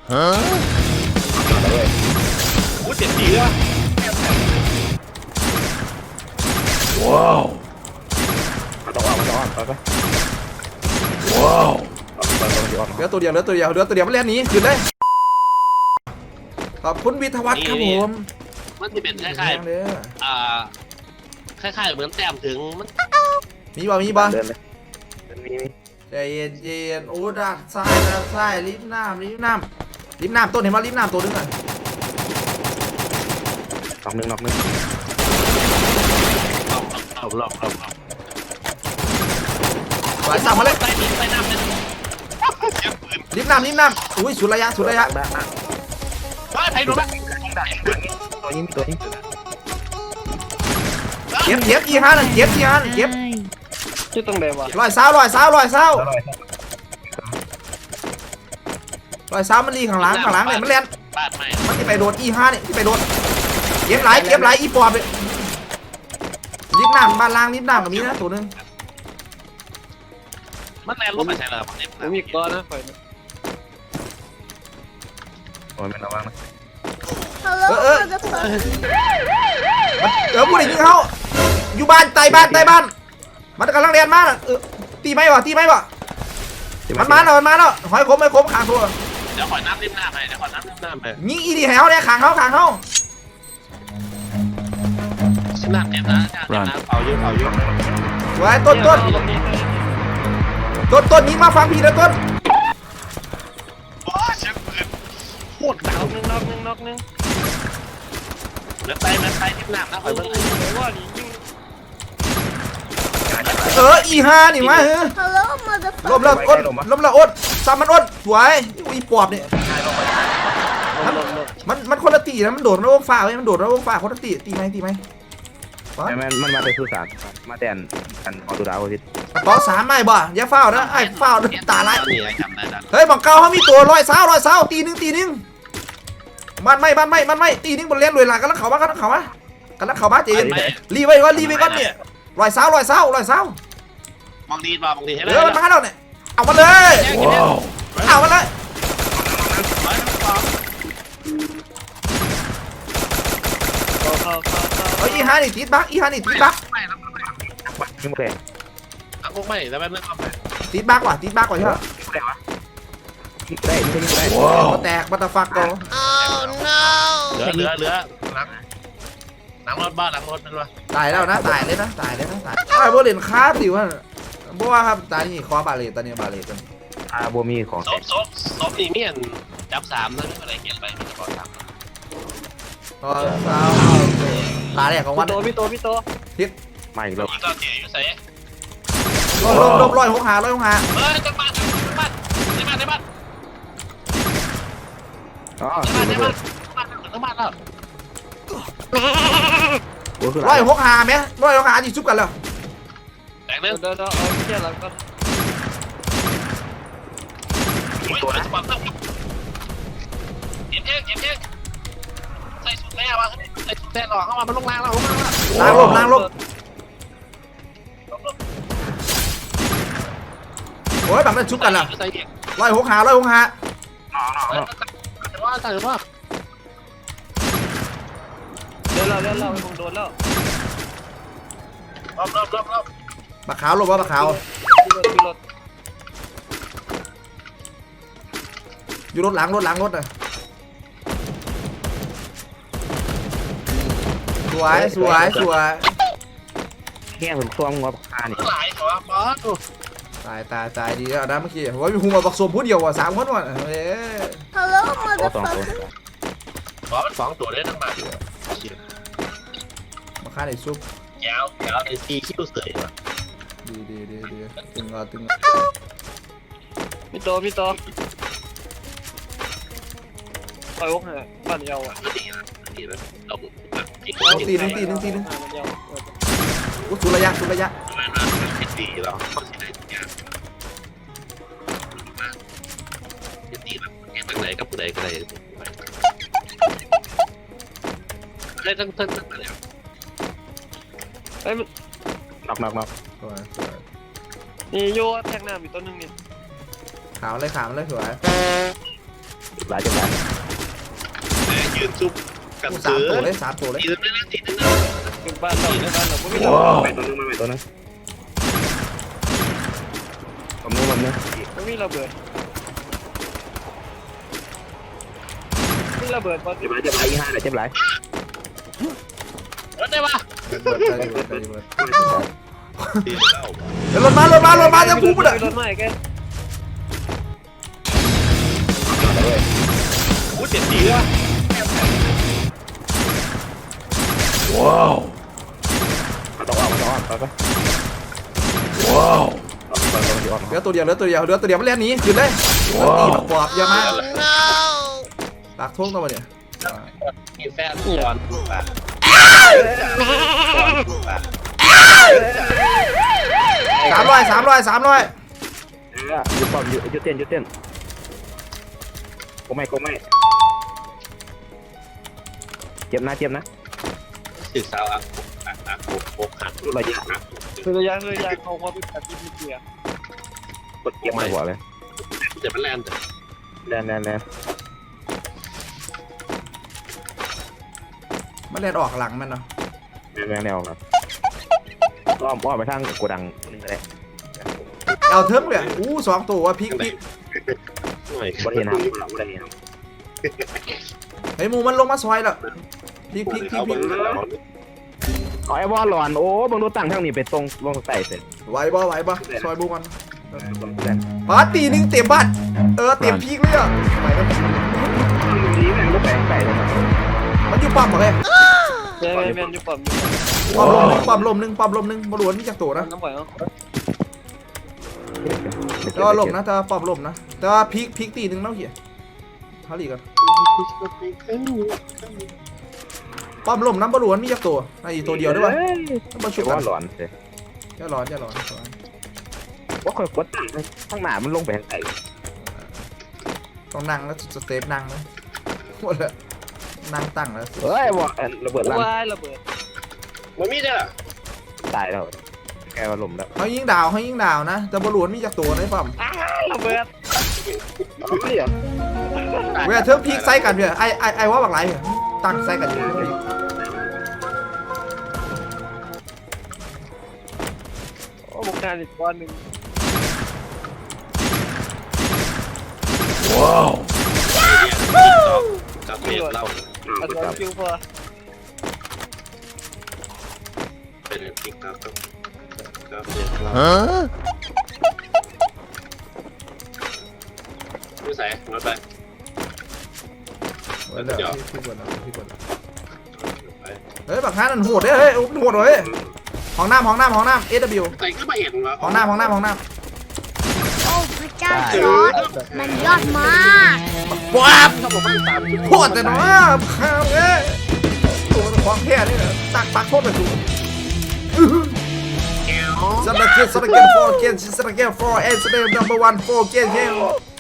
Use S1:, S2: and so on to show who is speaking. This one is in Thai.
S1: อู้เจ็บดีวะ
S2: ว้าว
S3: มันต้องออกไป
S2: ว้าว
S3: เหลือตัวเดียวมันเล่นหนีขึ้นเลยขอบคุณวิทวัฒน์ครับผม
S1: มันจะเป็นคล้ายๆคล้ายๆเหมือนแต้มถึงมัน
S3: มีบ่
S4: เดินเลยมี
S3: ใจเย็นโอ้ด้านซ้ายริมน้ำต้นเห็นว่าริมน้ำตัวนึงอ่ะ
S4: น็อกหนึ่ง
S1: หลอก
S3: สายสั่งมาเลย
S1: ไปดิไปน้ำเลยเจ็บปืน
S3: ริมน้ำอุ้ยสุดระยะ
S1: ไปโดนไหม
S4: ตัวยิง
S3: เก็บอีห้าเก็บ
S4: ชื่อตรงไหนวะ
S3: ลอยเสามันรีข้างหลังเนี่ยมันเล่น
S1: บาดใหม่
S3: มันจะไปโดนอีห้าเนี่ยที่ไปโดนเก็บหลายอีปอบเลยริมน้ำบ้านล่างริมน้ำกับมีนะตัวนึง
S1: มันแรงลบไปใช่ไหมครับเนี่ย
S4: ผมมีก้อนนะไฟโอ้ยไม่ระวังนะ
S3: พูดอย่างนี้เขาอยู่บ้านใต้บ้านมันกำลังเรียนมาตีไหมวะมันมาแล้วหอยคมขางตัว
S1: เดี๋ยวขอน้ำริมหน้าไป
S3: ยิงอีดีแถวเนี่ยขางเขา
S1: น้ำเจ็บนะเอาเยอะ
S3: ไว้ต้นยิงมาฟังพี่นะต้น
S1: โอ้เจ็บปืนโคตรหนาวนึงเหลือไตริมหน้านะคอยเบิ่ง
S4: ว่านี่ยิง
S3: อีห้านี่มาล้มแล้วอ้นซ้ำมันอ้นสวยอีปอบเนี่ยมันคนละตีนะมันโดดระวงฟ้าเว้ยมันโดดระวงฟ้าคนละตีไหม
S4: มันมาไปสุสานมาแตนกันออตุดาวพิษ
S3: ต่อ3ไม่บ่อย่าเฝ้านะไอ้เฝ้าตาลาย
S1: นี่จำได้ดัน
S3: เฮ้ยบังเกาเขามีตัวร้อยเสาตีหนึ่งมันไม่ตีหนึ่งบนเลี้ยงรวยหลังกันแล้วเขามาเจนรีไว้ก่อนเนี่ยร้อยเสาม
S1: องดีให้ได้
S3: มันมาแล้วเนี่ยเอามาเลยเอามาเลยอีฮานี่ติดบัก
S4: ยิงแรง
S1: พวกไม่แล้วมันเรื่องความ
S3: ติดบักว่ะใช่ไหม
S4: ได้
S3: มาแตกบัตรฟักก่อน
S1: เหลือหลังรถบ้านหลังรถนั่นวะ
S3: ตายแล้วนะตายเลยนะไอ้โบเลนคาสิวะเพราะว่าครับตานี่คอบาเลตตอนนี้บาเลต
S4: บัวมีของ
S1: ซบนี่เมียนจับ3นะอะไรเขียนไปมันจะบอก3
S3: ตาแรกของวัน
S4: พี่โตมาอีกแล้ว
S1: ก็เจี๋อยู่ใส่
S3: ลบร้อยหกหา
S1: เฮ้ยจังบ้านในบ้าน
S4: อ๋อ
S1: แล้ว
S3: ร้อยหกหาไหมร้อยหกหาจีซุบกันแล้ว
S1: แตกเรื่อง
S4: เดี๋ยวเอาเชี่ยหลังก็
S1: ตัวนะเก็บเองใส่สุดแน่วะใส่สุดแน่หรอเข้ามามันลงล่าง
S3: ล้างลบโอ้ยแบบนั้นซุบกันแล้วร้อยหกหา
S1: ว่าแต่ว่า
S4: เดี๋ยวเราคงโดนแล้ว
S1: รอบ
S3: บักขาวลบว่าบักขาวอยู่รถหลังน่ะสวย
S4: แง่ผมคล้องงับคานี่
S1: หลายตัวบอส
S3: ตายดีแล้วนะเมื่อกี้ว่ามีหูมาบักสมพูดเดียวว่ะ3 คนว่ะเอ้ย
S1: บอสมัน2 ตัวได้ทั้งบ้าน
S3: มาฆ่าในซุป
S1: ยาวในซีคิ้วเสยว่ะ
S3: ดีตึง
S4: พี่โตไปวกเหรอบ้านเยาอ่ะ
S1: ดีนะเรา
S3: ตีหนึ่งสุระยะ
S1: ดีเราเขาสิได้ทุกอย่างดีแบบทางไหนกับผู้ใดก็ได้ได้ทั้งอะไร
S4: เอ้ยน็อก
S3: สวย
S4: นี่โยแทงน้ำอีกตัวนึงนี่
S3: ขาวเลยสวย
S4: หลายจังหวะ
S1: ยืนซุบกัน
S3: สาม
S1: เสื
S3: ตัว
S1: อ
S3: เลยสามตัวเลย
S1: ตีนึงนะตีนึง
S5: เป็นบ้านเราในบ้านเราไม่มี
S2: Wow.
S4: ไปตัวนึงมาไปตัวนึงผมนึง
S5: ไม่มีระเบิดมีระเบิดบอล
S4: เจ็บไรยี่ห้าเลยเจ็บไร
S1: รถได้ปะ ตีเข้า
S3: เดี๋ยวรถมารถมาจะพูดปะ
S5: รถใหม่แก
S1: โอ้เจ็บดีว่ะ
S2: Wow.
S4: ต้องออกไป
S2: Wow.
S3: เหลือตัวเดียวมันเล่นหนีขึ้นเลยตีปอบเยอะมากหลักทุ่งตัวเนี่ย
S1: มีแฟนก่อนปะ
S3: 300
S4: ยุดป้อมยุดเต้นกูไม่เจ็บนะ
S1: ศึกษาอ่ะโอ้หัก
S4: ระยะ
S5: คือระยะเขาว่าเป็นแบบที่เกียร์
S4: กดเก็บมาหัวเลย
S1: เจ็บมันแลนด์
S4: แลน
S3: มันเล่นออกหลังมันเนาะ
S4: แนวครับอ้อมไปทางโกดังนึงก็ได้
S3: เอาเทิร์มเลย2ตัวว่าพลิก
S4: บริเวณน้ำบริเวณน้
S3: เฮ้ยมูมันลงมาซอยแล้วพลิก
S4: ำไอ้บอลหลอนโอ้บังดูตั้งทางนี้ไปตรงลงใต้เสร็จ
S3: ไหวบ่ซอยบูมันปาตีนึงเต็มบ้านเต็มพลิกเลยอ่ะ
S4: นี้แม่งก็แปลงใส่เลย
S3: มันอยู่ปั๊มบ่เลย
S5: แมนอยู่ปั๊ม
S3: ปั๊มลมนึงบอลวนนี่จากตัวนะ
S5: น้ำปล่อยเนาะ
S3: แต่ว่าลมนะแต่ปั๊มลมนะแต่ว่าพลิกตีนึงเนาะเหี้ยเท่าไหร่กันปั๊มลมน้ำบอลวนมีจากตัวไอ้ตัวเดียวด้วยวะมาช่วย
S4: บ
S3: กั
S4: อน ลหลอนเสร็จ
S3: อย่าร้อน
S4: ว่าคอยกดตั้งข้างหน้ามันลงไปใส่
S3: ต้องนั่งแล้วสเตปนั่งนะหมดแล้วนั่งตั้งแล้ว
S4: เฮ้ยบอลระเบิดลั่น
S5: ว้ายระเบิด
S1: มันมีได้หรอ
S4: ตายแล้วแกมาลมแล้ว
S3: เขายิงดาวนะแต่บอลวนมีจากตัวนะปั๊ม
S5: ระเบิด
S4: ไม่เหรอ
S3: เวลาเธอพลิกไซกันเพื่อไอว่าบักไรเพื่อตั้งไซกันอยู่
S5: โอ้บุกการอีกก้อนหนึ่ง
S2: Wow.
S1: กับเมียเรา
S5: อันนี้คิวพอ
S1: เป็นติ๊กต๊อกกับเมียเรา
S2: Huh?
S1: ไม่ใส่รถไป
S3: เฮ้ยบักฮานั่นโหดเฮ้ยโหดเลยห้องน้ำSW
S1: ใส่ก็มาเห็นวะ
S3: ห้องน้ำ
S6: โอ้พระเจ้าจอร์ดมันยอดมาก
S3: ว้าบโหดแต่เนาะข้าวตัวของแท้นี่นะตักปักโทษไปถูกสระเกต4 and สระเกต4 and สระเกตnumber 1 4 เกต